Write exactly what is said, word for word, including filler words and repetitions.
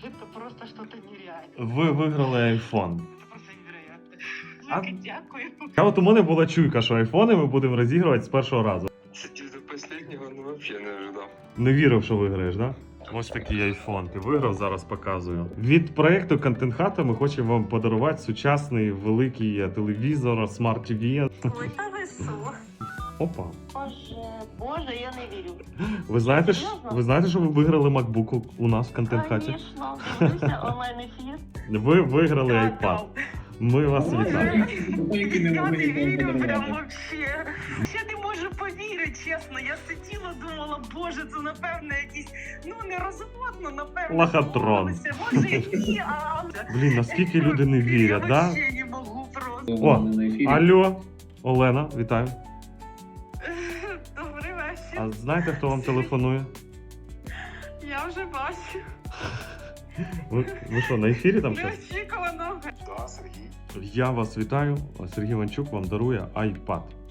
Это просто что-то нереальное. Ви виграли айфон. Это просто невероятно. А- Велике дякую. А от у мене була чуйка, що айфони ми будемо розігрувати з першого разу. Сидеть до последнего, ну вообще не ожидал. Не вірив, що виграєш, да? Ось такий айфон. Ти виграв, зараз показую. Від проєкту Контент Хата ми хочемо вам подарувати сучасний великий телевізор, смарт ті ві. Ой, та ви що? Опа. Боже, боже, я не вірю. Ви знаєте, ж- Серйозно? ви знаєте, що ви виграли MacBook у нас в Контент Хаті? Звісно, дивлюся онлайн-ефір. Ви виграли iPad. Ми вас вітаємо. Тільки не Я можу не нікому вірю прям подарувати. вообще. Я не можу повірити, чесно. Я сиділа, думала, боже, це напевно якісь, ну не розводно, напевно. Лохотрон. домовилися. Може і ні, а... Блін, наскільки люди не вірять, Я да? вообще не можу просто. О, На ефірі. Алло, Олена, вітаю. Добрий вечір. А знаєте, хто вам телефонує? Я вже бачу. Ви, ви що, на ефірі там щось? Неочікувано. Да, Сергей. Я вас вітаю. Сергій Іванчук вам дарує iPad.